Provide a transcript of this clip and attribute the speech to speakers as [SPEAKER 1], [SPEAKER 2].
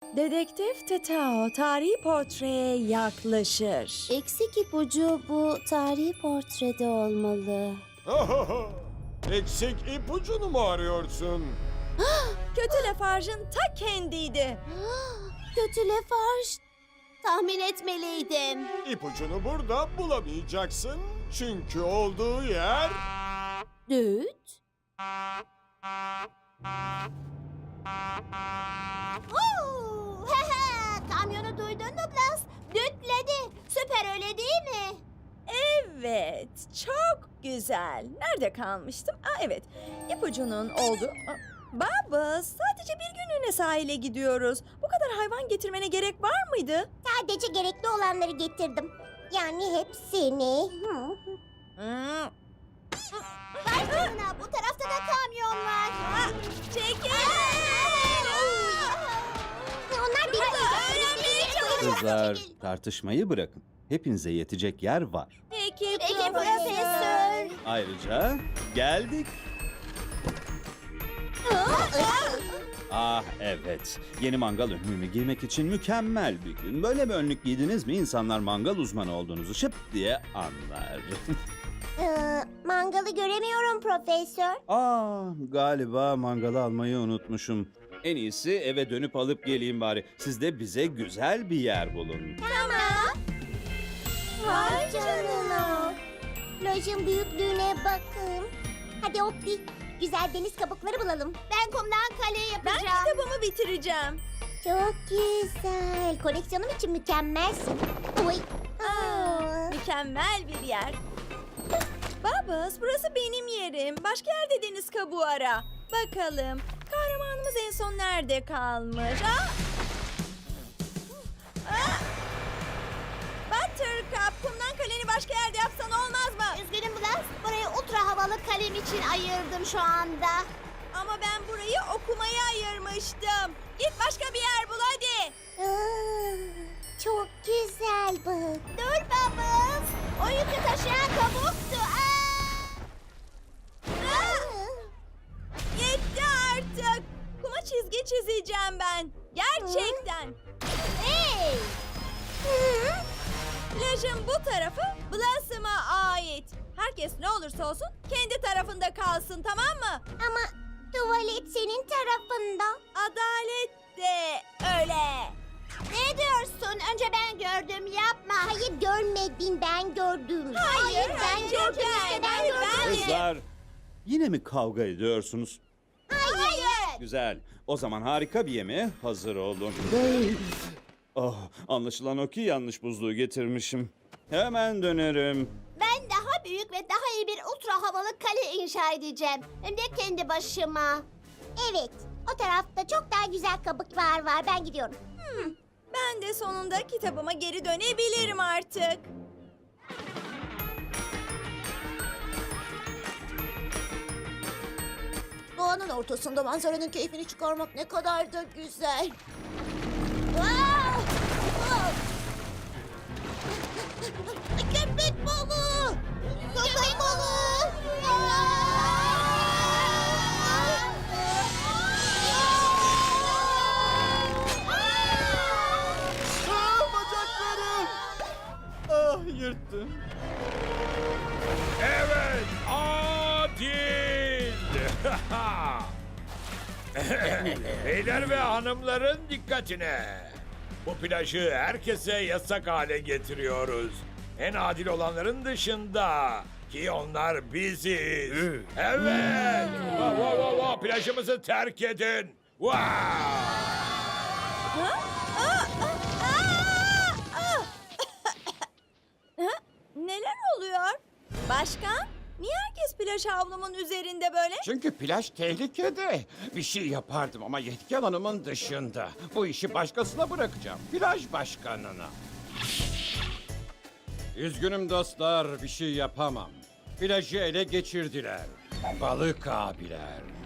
[SPEAKER 1] Dedektif Tetao tarihi portreye yaklaşır.
[SPEAKER 2] Eksik ipucu bu tarihi portrede olmalı.
[SPEAKER 3] Eksik ipucunu mu arıyorsun?
[SPEAKER 1] Kötü Lafarge'ın ta kendiydi.
[SPEAKER 2] Kötü Lafarge. Tahmin etmeliydim.
[SPEAKER 3] İpucunu burada bulamayacaksın. Çünkü olduğu yer...
[SPEAKER 2] Düt. Kamyonu duydun mu Blas? Dütledi. Süper öyle değil mi?
[SPEAKER 1] Evet, çok güzel. Nerede kalmıştım? Evet, ipucunun oldu. Baba, sadece bir günlüğüne sahile gidiyoruz. Bu kadar hayvan getirmene gerek var mıydı?
[SPEAKER 2] Sadece gerekli olanları getirdim. Yani hepsini.
[SPEAKER 1] Hmm.
[SPEAKER 2] Vay canına, bu tarafta da kamyon var.
[SPEAKER 1] Çekil!
[SPEAKER 2] Onlar bir
[SPEAKER 4] Kızlar, tartışmayı bırakın. Hepinize yetecek yer var.
[SPEAKER 1] Peki,
[SPEAKER 2] Peki profesör.
[SPEAKER 4] Ayrıca geldik. Ah evet, yeni mangal önlüğümü giymek için mükemmel bir gün. Böyle bir önlük giydiniz mi insanlar mangal uzmanı olduğunuzu şıp diye anlar.
[SPEAKER 2] Mangalı göremiyorum profesör.
[SPEAKER 4] Galiba mangalı almayı unutmuşum. En iyisi eve dönüp alıp geleyim bari. Siz de bize güzel bir yer bulun.
[SPEAKER 2] Vay canına. Plajın büyüklüğüne bakın. Hadi Opti, güzel deniz kabukları bulalım. Ben kumdan kale
[SPEAKER 1] Ben
[SPEAKER 2] yapacağım.
[SPEAKER 1] kitabımı bitireceğim.
[SPEAKER 2] Çok güzel. Koleksiyonum için mükemmelsin. Oy.
[SPEAKER 1] Mükemmel bir yer. Babas, burası benim yerim. Başka yerde deniz kabuğu ara. Bakalım, kahramanımız en son nerede kalmış? Buttercup, kumdan kaleni başka yerde yapsan olmaz mı?
[SPEAKER 2] Üzgünüm Blas. Burayı ultra havalı kalem için ayırdım şu anda.
[SPEAKER 1] Ama ben burayı okumaya ayırmıştım. Git başka bir yer bul hadi.
[SPEAKER 2] Çok güzel bu. Dur babam. O yükü taşıyan kabuktu.
[SPEAKER 1] Yetti artık. Kuma çizgi çizeceğim ben. Gerçekten.
[SPEAKER 2] Hey!
[SPEAKER 1] Plajın bu tarafı Blossom'a ait. Herkes ne olursa olsun kendi tarafında kalsın, tamam mı?
[SPEAKER 2] Ama tuvalet senin tarafında.
[SPEAKER 1] Adalet de öyle.
[SPEAKER 2] Ne diyorsun? Önce ben gördüm. Yapma. Hayır görmedin. Ben gördüm.
[SPEAKER 1] Hayır,
[SPEAKER 2] ben
[SPEAKER 1] önce
[SPEAKER 2] gördüm.
[SPEAKER 1] ben,
[SPEAKER 2] işte, ben
[SPEAKER 1] hayır,
[SPEAKER 2] gördüm.
[SPEAKER 1] ben.
[SPEAKER 4] Kızlar, yine mi kavga ediyorsunuz?
[SPEAKER 2] Hayır.
[SPEAKER 4] Güzel. O zaman harika bir yemeğe hazır olun. Oh, anlaşılan o ki yanlış buzluğu getirmişim. Hemen dönerim.
[SPEAKER 2] Ben daha büyük ve daha iyi bir ultra havalı kale inşa edeceğim. Hem de kendi başıma. Evet. O tarafta çok daha güzel kabuklar var. Ben gidiyorum.
[SPEAKER 1] Ben de sonunda kitabıma geri dönebilirim artık.
[SPEAKER 2] Doğanın ortasında manzaranın keyfini çıkarmak ne kadar da güzel. Köpek balığı! Köpek balığı!
[SPEAKER 3] Bacaklarım! Ah, yırttım.
[SPEAKER 5] Evet, adil. Beyler ve hanımların dikkatine. Bu plajı herkese yasak hale getiriyoruz. En adil olanların dışında. Ki onlar biziz. Evet. Plajımızı terk edin. Wow.
[SPEAKER 1] Neler oluyor? Başkan, niye herkes plaj havlumun üzerinde böyle?
[SPEAKER 6] Çünkü plaj tehlikede. Bir şey yapardım ama yetki alanımın dışında. Bu işi başkasına bırakacağım. Plaj başkanına. Üzgünüm dostlar, bir şey yapamam. Plajı ele geçirdiler. Balık abiler.